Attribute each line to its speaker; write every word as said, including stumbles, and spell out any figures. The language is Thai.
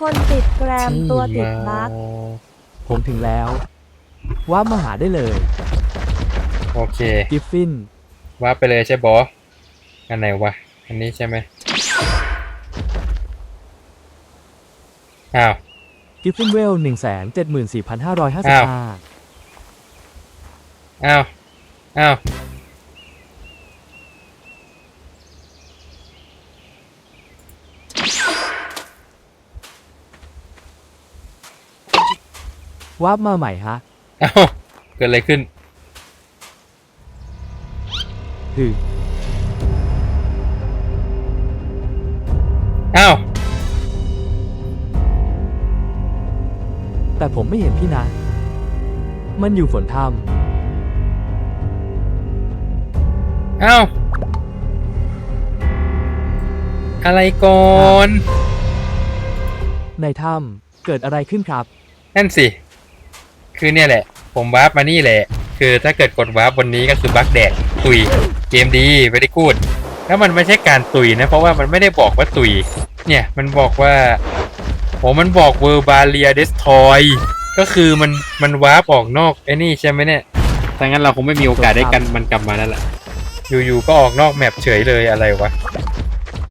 Speaker 1: คนติดแกรมตัวติดบั๊ก
Speaker 2: ผมถึงแล้วว่ามาหาได้เลย
Speaker 3: โอเค
Speaker 2: กิฟฟิน
Speaker 3: ว่าไปเลยใช่บออันไหนวะอันนี้ใช่ไหมอ้าว
Speaker 2: กิฟฟินเวลหนึ่งแสนเจ็ดหมื่นสี่พันห้าร้อยห้าสิบห้า
Speaker 3: อ้าวอ้าว
Speaker 2: วาร์ปมาใหม่ฮะ
Speaker 3: อ้าวเกิดอะไรขึ้น
Speaker 2: คือ
Speaker 3: อ้าว
Speaker 2: แต่ผมไม่เห็นพี่นะ มันอยู่ฝนถ้
Speaker 3: อ้าวอะไรก่อน
Speaker 2: ำในถ้ำเกิดอะไรขึ้นครับ
Speaker 3: นั่นสิคือเนี่ยแหละผมวาร์ปมานี่แหละคือถ้าเกิดกดวาร์ปบนนี้ก็คือบั๊กแดกตุยเกมดีไม่ได้กูดแล้วมันไม่ใช่การตุยนะเพราะว่ามันไม่ได้บอกว่าตุยเนี่ยมันบอกว่าโอ้มันบอกเวอร์บาเลียเดสทอยก็คือมันมันวาร์ปออกนอกไอ้นี่ใช่ไหมเนี่ยถ้างั้นเราคงไม่มีโอกาสได้กันมันกลับมาแล้วล่ะอยู่ๆก็ออกนอกแมปเฉยเลยอะไรวะ